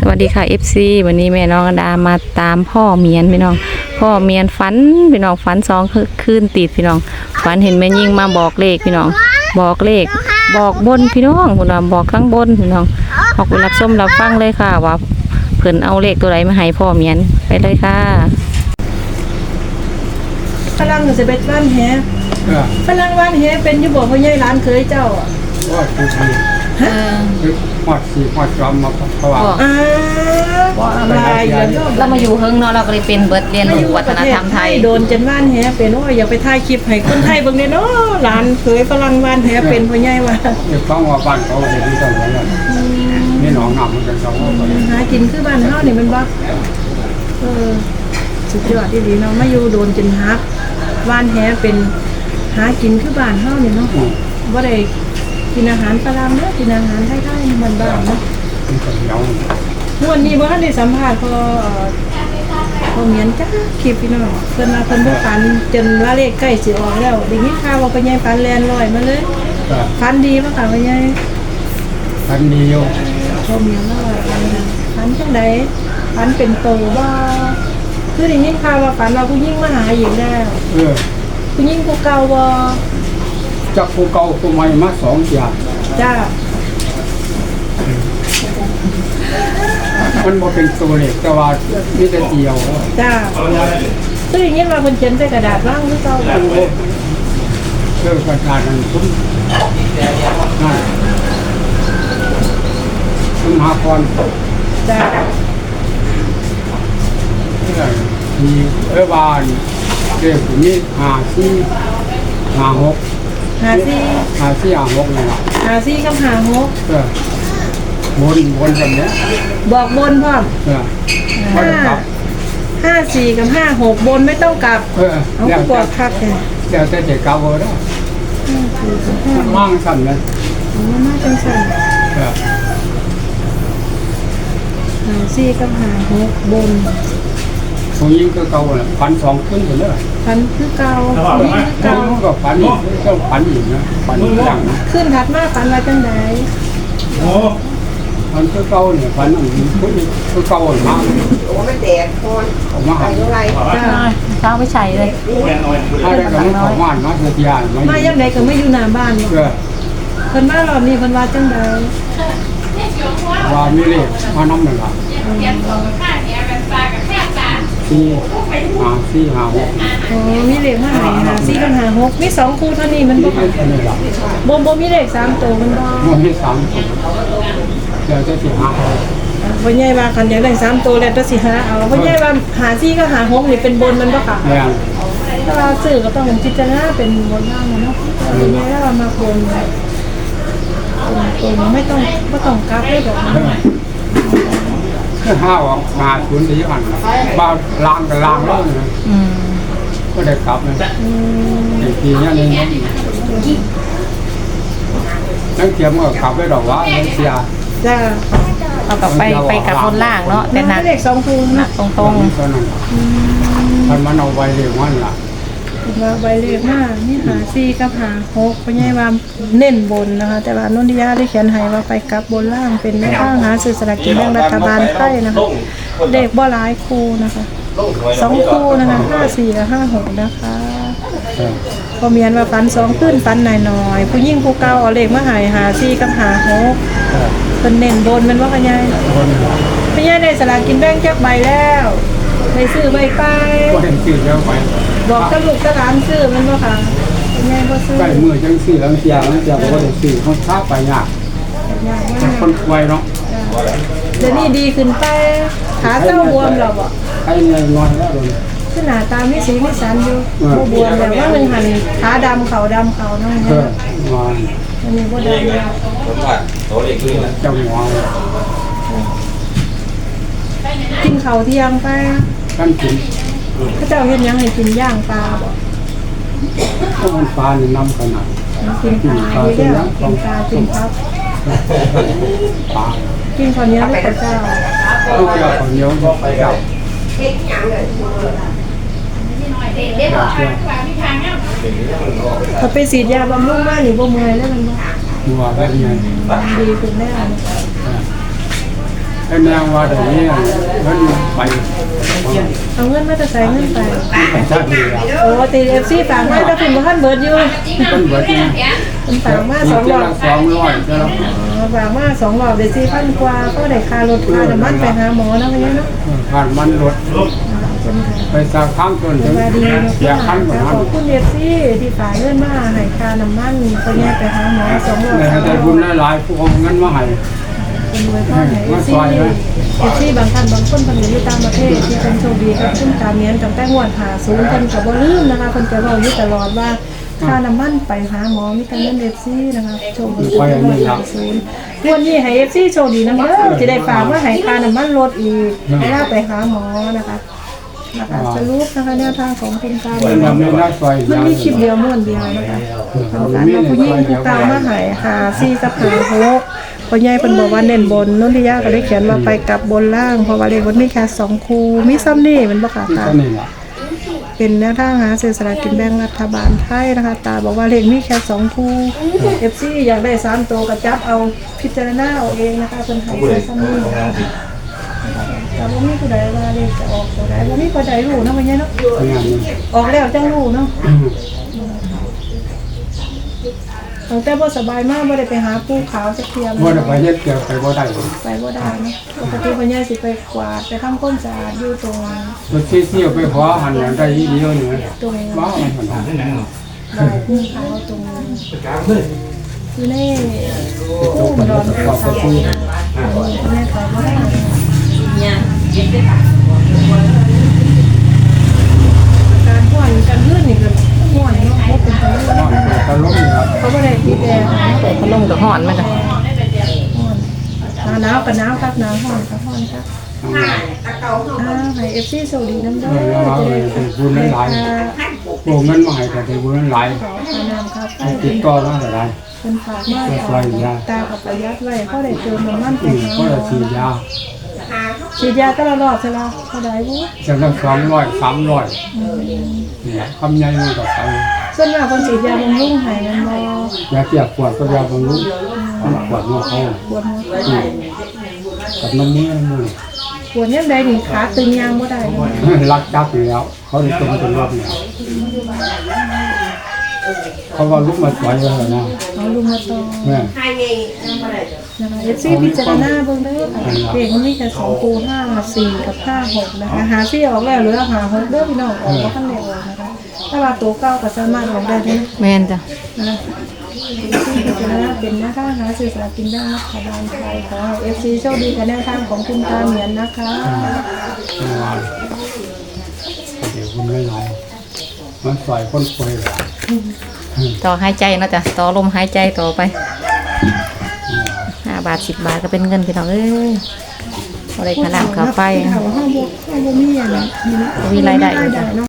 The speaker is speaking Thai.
วัสดีค่ะ FC วันนี้แม่น้องอดามาตามพ่อเมียนพี่น้องพ่อเมียนฝันพี่น้องฝัน2 คืนติดพี่น้องฝันเห็นแม่ยิ่งมาบอกเลขพี่น้องบอกเลขบอกบนพี่น้องพี่น้องบอกข้างบนพี่น้องออกไปรับชมรับฟังเลยค่ะว่าเพิ่นเอาเลขตัวไหนมาให้พ่อเมียนไปเลยค่ะฝรั่งจะเป็นบ้านแฮฝรั่งบ้านแฮเป็นอยู่บ่พ่อใหญ่ร้านเคยเจ้าอ่ะว่าคือทำหอดสีหอดจอมมาเพราะว่าอะไรอย่างเงี้ยเรามาอยู่เฮิงเนาะเราก็เลยเป็นเบิดเรียนรู้วัฒนธรรมไทยโดนจนบ้านแฮเป็นว่าอย่าไปถ่ายคลิปให้คนไทยเบิ่งเด้เนาะร้านเคยฝรั่งบ้านแฮเป็นพ่อใหญ่ว่าเด็กฟังว่าบ้านเขาเห็นที่จังหวัดนี่หนองน้ำมันเป็นสองหากินคือบ้านเฮานี่มันบ่สุดยอดที่ดีเนาะมาอยู่โดนจนฮักบ้านแฮเป็นหากินคือบ้านเฮานี่เนาะบ่ได้กินอาหารฝรั่งเนาะกินอาหารไทยๆบ้านๆเนาะวันนี้ว่าได้สัมภาษณ์พอเมียนจ้าคลิปพี่น้องเพิ่นมาเพิ่นบ่ฝันจนว่าเลขใกล้สิออกแล้วได้ยินข่าวว่าพ่อใหญ่ฝันแลนลอยมาเลยฝันดีบ่ค่ะพ่อใหญ่ฝันดีอยู่พอเมียนลอยฝันจังได๋ฝันเป็นโตบ่คือได้ยินข่าวว่าฝันว่าผู้หญิงมาหาอีกแล้วผู้หญิงผู้เก่าบ่จากผู้เก่าผู้ใหม่มา2อย่างจ้ามันบ่เป็นตัวเลขแต่ว่ามีแต่เดียวจ้าคืออย่างนี้มาคนเขียนใส่กระดาษว่างหรือเปล่าประชาชนคุ้มนั่นคุ้มหาพรจ้ามีบ้านเด็กนี้54 56นี่ล่ะ 54กับ56 บนแบบนี้บอกบนพร้อม54กับ56บนไม่ต้องกลับเอากดพักเลยเดี๋ยวจะเด็กกลับได้มั่งสั่นเลยมั่งจังสั่น54กับ56บนผู้หญิงก็เก่าเลยพัน2ขึ้นเลยพันคือเก่าผู้หญิงคือเก่าก็พันอีกก็พันอีกนะพันอย่างนะขึ้นถัดมาพันอะไรจังไดพันคือเก่าเนี่ยพันอันนี้คือเก่ามากโอ้ไม่แตกคนออกมาหาอะไรเช้าไม่ใช่เลยถ้าได้ก็ไม่ของว่านมาเสียทีมายังไงก็ไม่อยู่หน้าบ้านเนาะเพิ่นมารอบนี้เพิ่นว่าจังไดว่ามีเลขมาน้ำหนึ่งละ 4 5 มีเลขมาให้54กับ56มี2คู่เท่านี้มันบ่มีเลข3ตัวมันบ่มี3ตัวเดี๋ยวจะสิหาเอาพ่อใหญ่ว่าคันอยากได้3ตัวแล้วจะสิหาเอาพ่อใหญ่ว่า54กับ56นี่เป็นบนมันบ่ค่ะถ้าเราซื้อก็ต้องพิจารณาเป็นบนล่างเนาะพ่อใหญ่ว่ามาบนไม่ต้องกลับได้แบบนั้นห้าออกมาทุนดีอันบ้าล้างกับล้างแล้วนะก็ได้กลับเลยทีนี้นี่นั่งเทียมก็กลับได้ดอกว่าเสียจ้าเอากลับไปกับบนล่างเนาะแต่หนักเลข2คู่นะตรงมันเอาไว้เรียกว่าล่ะมาใบเลขมานี่54กับ56พ่อใหญ่ว่าเน้นบนนะคะแต่ว่านนทิยาได้เขียนให้ว่าไปกับบนล่างเป็นแม่ข้างหาซื้อสลากกินแบ่งรัฐบาลไทยนะคะเด็กบ่หลายคู่นะคะ2คู่นะคะ54กับ56นะคะพอเมียนว่าฝัน2ขึ้นฝันหน่อยๆผู้ยิ่งผู้เก่าเอาเลขมาให้54กับ56เพิ่นเน้นบนมันว่าพ่อใหญ่พ่อใหญ่ได้สลากกินแบ่งจักใบแล้วได้ซื้อใบไปก็เห็นซื้อแล้วไปบอกกับลูกกับหลานซื้อมันบ่ค่ะยังไงบ่ซื้อใกล้มือจังซื้อแล้วเสียบอกว่าได้ซื้อมันช้าไปยากคนป่วยเนาะเดี๋ยวนี้ดีขึ้นไปขาเจ้าบวมแล้วบ่ใครเงินน้อยแล้วเลยคือหน้าตามีสีมีสันอยู่บ่บวมแล้วว่ามันหันขาดำเขาน้องอันนี้บ่ได้แล้วจังหวะกินข้าวเที่ยงไปกันกินพระเจ้าเฮ็ดยังให้กินย่างปลาบ่ก็มันปลานี่น้ำขนาดกินปลาดีแล้วกินปลากินครับปลากินข้าวเหนียวด้วยพระเจ้าลูกเจ้าข้าวเหนียวไปเจ้าถ้าไปฉีดยาบำรุงมานี่บ่เมื่อยแล้วมันบ่มัวได้ไงดีขึ้นแน่เป็นแนวว่าเดี๋ยวนี้เงินไปเอาเงินมาจะใส่เงินไปไปชาตินี้แล้วโอ้ตีFCฝากมาถ้าพิมพ์บ่ทันเบิดอยู่ต้นเบิดนี่มันฝากมามี 2 เจ้ารอละบ 200เจ้าละฝากมา2 รอบได้ 4,000 กว่าก็ได้ค่ารถค่าน้ำมันไปหาหมอนะวันนี้เนาะผ่านมันรถไปสักครั้งจนถึงสวัสดีเสียขั้นกว่าขนั้นอบคุณFCที่ฝากเงินมาให้ค่าน้ำมันก็แยกไปหาหมอ2 รอบเลยได้บุญหลายๆผู้เอาเงินมาให้คนรวยก็ไหนซี่บางท่านบางคนเพิ่นอยู่ต่างประเทศที่เป็นโชคดีกับคุณตาเมียนตั้งแต่งวด50เพิ่นก็บ่ลืมนะคะเพิ่นจะเว้าอยู่ตลอดว่าค่าน้ำมันไปหาหมอมีแต่เงิน FC นะคะโชคดีงวด50งวดนี้ให้ FC โชคดีนำเด้อจะได้ฝากมาให้ค่าน้ำมันลดอีกเวลาไปหาหมอนะคะสรุปนะคะแนวทางของคุณตาเป็นแบบนี้นะซอยมันมีคลิปเดียวม้วนเดียวนะคะทำการมาผู้หญิงผู้ตามมาหา4กับ5 6พ่อใหญ่เพิ่นบอกว่าเน้นบนนนทิยาก็ได้เขียนว่าไปกลับบนล่างเพราะว่าเลขบนมีแค่2คู่มีซ้ำนี่มันบ่ค่ะที่ตาก็นี่ล่ะเป็นแนวทางหาซื้อสลากกินแบ่งรัฐบาลไทยนะคะตาบอกว่าเลขมีแค่2คู่ FC อยากได้3ตัวก็จับเอาพิจารณาเอาเองนะคะเพิ่นให้แค่ซ้ำนี่แต่บ่มีผู้ใดว่าเลขจะออกตัวใดบ่มีผู้ใดรู้เนาะพ่อใหญ่เนาะงานนี้ออกแล้วจังรู้เนาะตั้งแต่บ่สบายมากบ่ได้ไปหาผู้ขาวสักเทียมบ่ได้ไปเฮ็ดเกี่ยวไปบ่ได้ไปบ่ได้เนาะปกติพ่อใหญ่สิไปกวาดไปทำความสะอาดอยู่ตรงรถที่เที่ยวไปขอหันอย่างได้อีเดียวนี่ตรงว้าวมันหันบ่ายผู้ขาวตรงอยู่ในผู้ดอนผู้สาวแม่เขาบ่ได้การพ่อนการลื่นนี่ก็ม่วนเนาะบ่เป็นจังได๋ตลกนี่ครับเขาบ่ได้ติดแอร์เปิดพัดลมกับห่อนไหมจ้ะหนาวกับหนาวครับหนาวร้อนกับร้อนครับให้ FC สวัสดีน้ำเด้อจะได้ขอบคุณหลายโอ้เงินมาให้แต่ได้บุญหลายขอพานามครับให้ติดต่อมาได้คนฝากมาตากับประหยัดไว้เขาได้เติมน้ำมันไปก็จะฉีดยาฉีดยาตลอดใช่ไหมเขาได้บุจะต้อง200 300เนี่ยคำใหญ่มันก็ไปส่วนมากคนฉีดยาบำรุงให้มันบ่ยาเกี่ยวปวดก็ยาบำรุงปวดหัวเขาปวดหัวกับน้ำมือมือปวดเนี่ยใดนี่ขาตึงยางบ่ได้เลยรักจับอยู่แล้วเขาได้ตรงเป็นรอบเนี่ยเขาว่าลุกมาสวยเลยนะเอาลุงมาต่อแม่นะคะเอฟซีพิจารณาเบิ่งเด้อค่ะเด็กมันมีแค่2คู5 4กับ5 6นะคะหาซี่ออกแล้วเหลือหา6เด้อพี่น้องออกบ่ทันได้ออกนะคะถ้าว่าตัวเก่าก็สามารถออกได้เด้อแม่นจ้ะนะที่พิจารณาเป็นแนวทางหาซื้อสลากกินแบ่งรัฐบาลไทยขอให้ FC โชคดีกับแนวทางของคุณตาเหมียนนะคะเดี๋ยวคุณไม่ไรมันสวยคนป่วยต่อหายใจเนาะจ้ะต่อลมหายใจต่อไป5 บาท 10 บาทก็เป็นเงินพี่น้องเอ้ยบ่ได้ค่าน้ำค่าไฟเขาบ่มีอย่างนี้มีรายได้อยู่จ้ะจ้ะเนาะ